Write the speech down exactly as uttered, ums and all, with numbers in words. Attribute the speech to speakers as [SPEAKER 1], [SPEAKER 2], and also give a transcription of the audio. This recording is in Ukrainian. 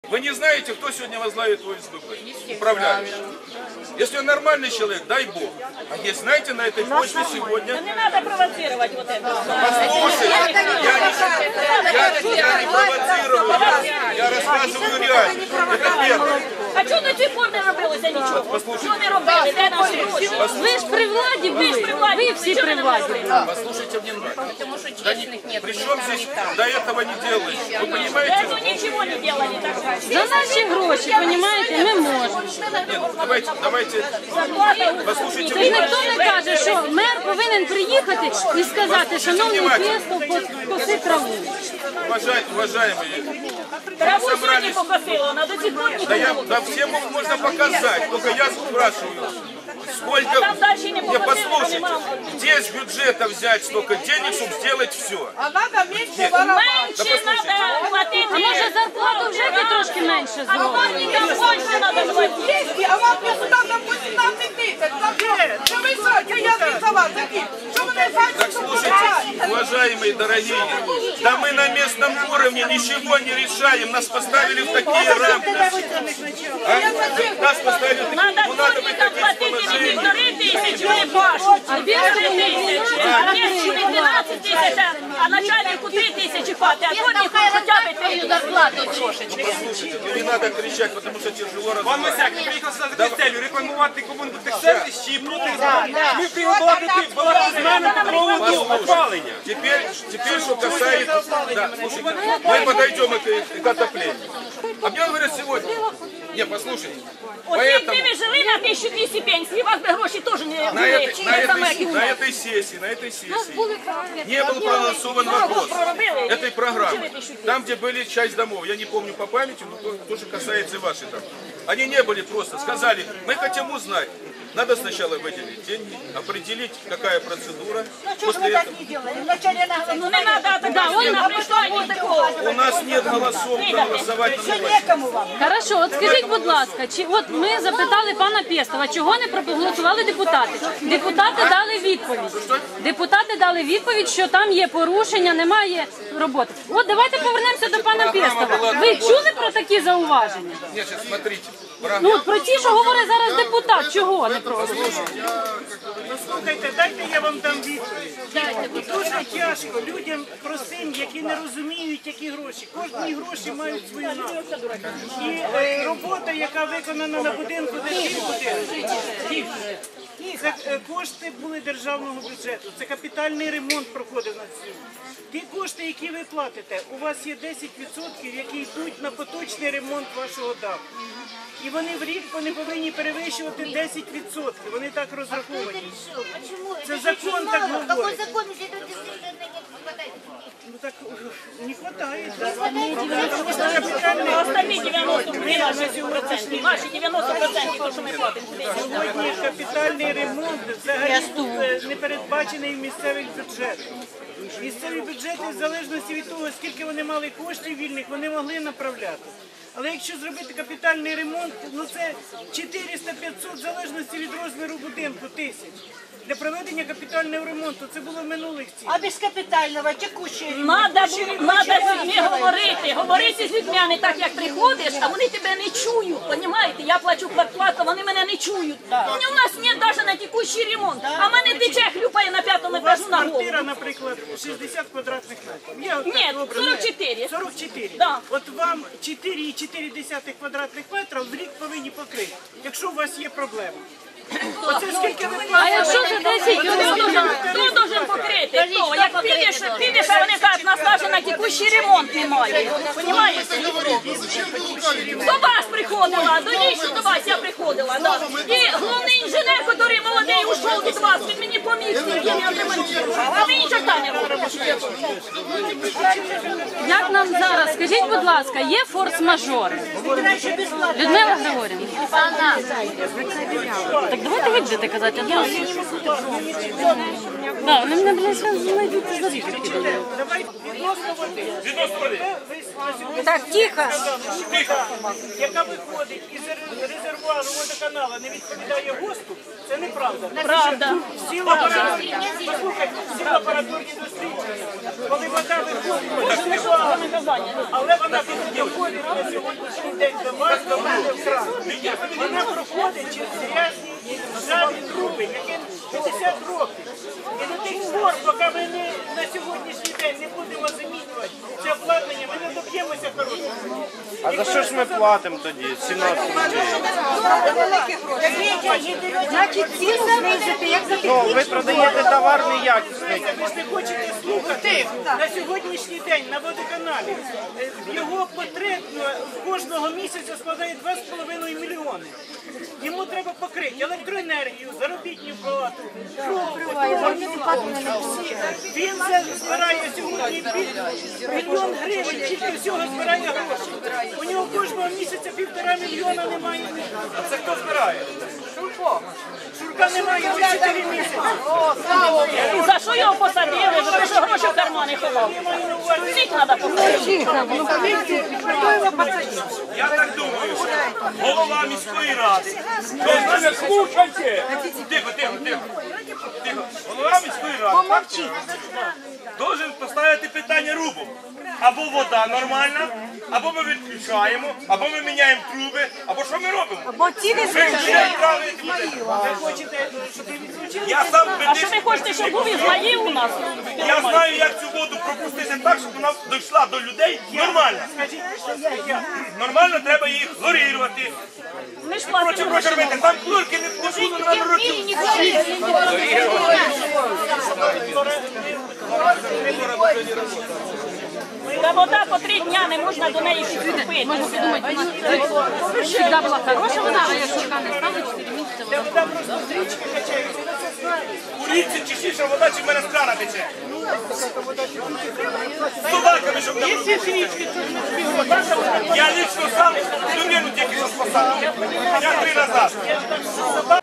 [SPEAKER 1] Вы не знаете, кто сегодня возглавит ОСББ? Управляющий. Если он нормальный человек, дай Бог. А есть, знаете, на этой почве сегодня...
[SPEAKER 2] Да не надо провоцировать вот это.
[SPEAKER 1] Послушайте, я не, я, я не провоцирую, я, я рассказываю реально. Это первое.
[SPEAKER 2] А чого до цих пор не робилося нічого?
[SPEAKER 1] Послушайте.
[SPEAKER 2] Що не робили? Де наші гроші?
[SPEAKER 3] Ви ж при владі, ви ж при владі, ви всі при владі.
[SPEAKER 1] Послушайте внимательно. Да не, причем здесь до этого не делали? Вы понимаете?
[SPEAKER 2] Ну нічого не делали так.
[SPEAKER 3] За наші гроші, розумієте, ми можемо.
[SPEAKER 1] Нет, давайте, давайте, послушайте
[SPEAKER 3] Тож ніхто не каже, що мер повинен приїхати і сказати, шановний Пєстов, коси траву.
[SPEAKER 1] уважай, уважаемые,
[SPEAKER 2] Траву сьогодні покосила, на до цих пор
[SPEAKER 1] да, я,
[SPEAKER 2] нікого.
[SPEAKER 1] да всем их можно показать, только я спрашиваю, сколько,
[SPEAKER 2] там дальше не
[SPEAKER 1] не,
[SPEAKER 2] показали,
[SPEAKER 1] послушайте,
[SPEAKER 2] понимал.
[SPEAKER 1] где с бюджета взять столько денег, чтобы сделать все?
[SPEAKER 4] А надо меньше воровать.
[SPEAKER 2] Менше треба платити.
[SPEAKER 3] А може зарплату вже ти трошки менше
[SPEAKER 2] А
[SPEAKER 3] зробили?
[SPEAKER 2] платникам більше треба платити.
[SPEAKER 4] Деньги, а вам государство восемнадцать тысяч. Что вы сроки, я рисовал такие. Что вы
[SPEAKER 1] Так
[SPEAKER 4] рисуете?
[SPEAKER 1] слушайте, уважаемые, дорогие, да мы на местном уровне ничего не решаем, нас поставили в такие рамки. А? Нас поставили в такие,
[SPEAKER 2] Надо
[SPEAKER 1] ну надо
[SPEAKER 2] платникам
[SPEAKER 1] выходить из
[SPEAKER 2] платити не
[SPEAKER 1] положения.
[SPEAKER 2] півтори тисячі, вони пашуть. А півтори тисячі, а не дванадцять тисяч, а начальнику три тисячі платить, а дворнику хоча б твою зарплату трошечки.
[SPEAKER 1] Послушайте, ну не надо кричать, потому что тяжело
[SPEAKER 5] Пан
[SPEAKER 1] разговаривать.
[SPEAKER 5] Мисяк, ми приїхали сюди за целью рекламувати комунальних сервіс чи проти ми приїхали балакати з нами по поводу опалення.
[SPEAKER 1] Теперь, теперь, что касается... Да, слушайте, мы подойдем к, к отоплению. А мне говорят сегодня... Не, послушайте.
[SPEAKER 2] От якби
[SPEAKER 1] Поэтому
[SPEAKER 2] ви жили на тисячу двісті пенсій, у вас би гроші теж не
[SPEAKER 1] на
[SPEAKER 2] були,
[SPEAKER 1] этой, на,
[SPEAKER 2] не саме, як і
[SPEAKER 1] этой,
[SPEAKER 2] у
[SPEAKER 1] на
[SPEAKER 2] нас.
[SPEAKER 1] этой сессии, на этой сессии не был проголосован вопрос этой программы. Там, где были часть домов, я не помню по памяти, но то, тоже касается и вашей там. Они не были просто, сказали, мы хотим узнать. Надо сначала выделить деньги, определить, какая процедура. После этого...
[SPEAKER 2] Ну не треба, така вона прийшла, ні такого.
[SPEAKER 1] У нас нет голосов проголосовать на новости.
[SPEAKER 3] Хорошо, от скажіть, будь ласка, чи от ми запитали пана Пєстова, чого не проголосували депутати? Депутати дали відповідь. Депутати дали відповідь, що там є порушення, немає роботи. От давайте повернемося до пана Пєстова. Ви чули про такі зауваження?
[SPEAKER 1] Нет, сейчас смотрите.
[SPEAKER 3] Ну, от про ті, що говорить зараз депутат, чого не проголосували?
[SPEAKER 6] Слухайте, дайте я вам дам відповідь. Дуже тяжко людям простим, які не розуміють, які гроші. Кожні гроші мають свою назву. І е, робота, яка виконана на будинку, де жив будинок, це е, кошти були державного бюджету. Це капітальний ремонт проходив на цьому. Ті кошти, які ви платите, у вас є десять відсотків, які йдуть на поточний ремонт вашого даху. І вони в рік вони повинні перевищувати десять відсотків. Вони так розраховані. Це закон так говорить. Ну так не хватает. Потому что капитальный...
[SPEAKER 2] А остальні дев'яносто процентів, наші дев'яносто процентів, то, що ми платимо.
[SPEAKER 6] Сьогодні капітальний ремонт взагалі не передбачений в місцевих бюджетах. Місцеві бюджети, в залежності від того, скільки вони мали коштів вільних, вони могли направляти. Але якщо зробити капітальний ремонт, ну це чотириста-п'ятсот, в залежності від розміру будинку, тисяч. Для проведення капітального ремонту це було минулих цін.
[SPEAKER 4] А без капитального текущего
[SPEAKER 2] Надо з людьми говорити, говорити з людьми, а не так, як приходиш, а вони тебе не чують, розумієте? Я плачу квартплату, вони мене не чують. Вони у нас немає навіть на текущий ремонт, а мене тече хлюпає на п'ятому
[SPEAKER 6] У вас
[SPEAKER 2] етажу на голову.
[SPEAKER 6] квартира, наприклад, шістдесят квадратних метрів. Я от
[SPEAKER 2] Ні,
[SPEAKER 6] так образно-
[SPEAKER 2] сорок чотири.
[SPEAKER 6] сорок чотири.
[SPEAKER 2] Да.
[SPEAKER 6] От вам чотири цілих чотири десятих квадратних метра в рік повинні покрити, якщо у вас є проблема. Оце скільки ви
[SPEAKER 3] А
[SPEAKER 6] платите?
[SPEAKER 3] якщо за десять
[SPEAKER 2] Хто
[SPEAKER 3] людей?
[SPEAKER 2] должен, хто должен покрити? Хто? Як підеш, підеш, а вони кажуть, нас навіть на текущий ремонт немає. Понімаєте? До вас приходила, до лічно до вас я приходила. Да. І головний інженер, який молодий, ушов від вас, він мені поміг, скільки я отремонтував. А ви нічого не робите.
[SPEAKER 3] Як нам зараз, скажіть, будь ласка, є форс-мажори? Людмила Григорівна. Так давайте ви будете казати, а то... Да, вони мене, блядь, знайдуть і заріжуть.
[SPEAKER 6] Давай відносно води.
[SPEAKER 1] Відносно води.
[SPEAKER 6] Ви- ви-
[SPEAKER 4] Так, тихо.
[SPEAKER 1] Тихо.
[SPEAKER 6] яка виходить із резервуару водоканалу, не відповідає ГОСТу, це неправда.
[SPEAKER 2] Правда.
[SPEAKER 6] Всі лабораторні, послухайте, всі лабораторні дослідження, коли вода виходить, але вона доходить на сьогоднішній день до вас, до мене в кран. Вона проходить через грязні ржаві труби, яким п'ятдесят років. І до тих пор, поки ми не, на сьогоднішній день не будемо замінювати це обладнання, ми не доб'ємося хорошого.
[SPEAKER 5] А за що ж ми платимо тоді? сімнадцять рублів.
[SPEAKER 7] Значить, ціну знизити, як за
[SPEAKER 5] Ну, ви продаєте товар неякісний.
[SPEAKER 6] Ви ж не хочете слухати. На сьогоднішній день на водоканалі е, його потребно кожного місяця складає два з половиною мільйони. Йому треба покрити електроенергію, заробітну плату, всі. Він за- збирає сьогодні пів- мільйон гривень, тільки всього збирає гроші. У нього кожного місяця півтора мільйона немає. А це хто збирає? Шурко. Шурка немає вже чотири місяці.
[SPEAKER 2] І за що його посадили? За те, що гроші в кармани ховав. Всіх треба посадити.
[SPEAKER 5] Я так думаю, що голова міської ради. Ви мене слухайте! Тихо, тихо, тихо. Тихо. Голова міської ради должен поставити питання рубом. Або вода нормальна, або ми відключаємо, або ми міняємо труби, або що ми робимо?
[SPEAKER 7] Або ціни
[SPEAKER 5] Ви
[SPEAKER 7] знизити.
[SPEAKER 5] вже відправили туди.
[SPEAKER 6] Ви хочете, щоб ви відключили?
[SPEAKER 5] Я сам
[SPEAKER 2] А що ви хочете, щоб був Ізмаїл у нас?
[SPEAKER 5] Я знаю, як цю воду пропустити так, щоб вона дійшла до людей нормально.
[SPEAKER 6] Скажіть, що я.
[SPEAKER 5] Нормально треба їх хлорірувати.
[SPEAKER 2] Ми ж
[SPEAKER 5] Короче,
[SPEAKER 2] платимо.
[SPEAKER 5] короче, робити. Там хлорки не було на років.
[SPEAKER 2] Та вода по три дня не можна до неї підступити.
[SPEAKER 3] Можна подумати, завжди була хороша вода, а якщо вона не стане чотири місяці,
[SPEAKER 6] Де вода просто з річки качається, ви це знаєте.
[SPEAKER 5] У річці чистіша вода, чи в мене з крана тече. З собаками, щоб не Я лично сам людину тільки що спасав. Я три назад.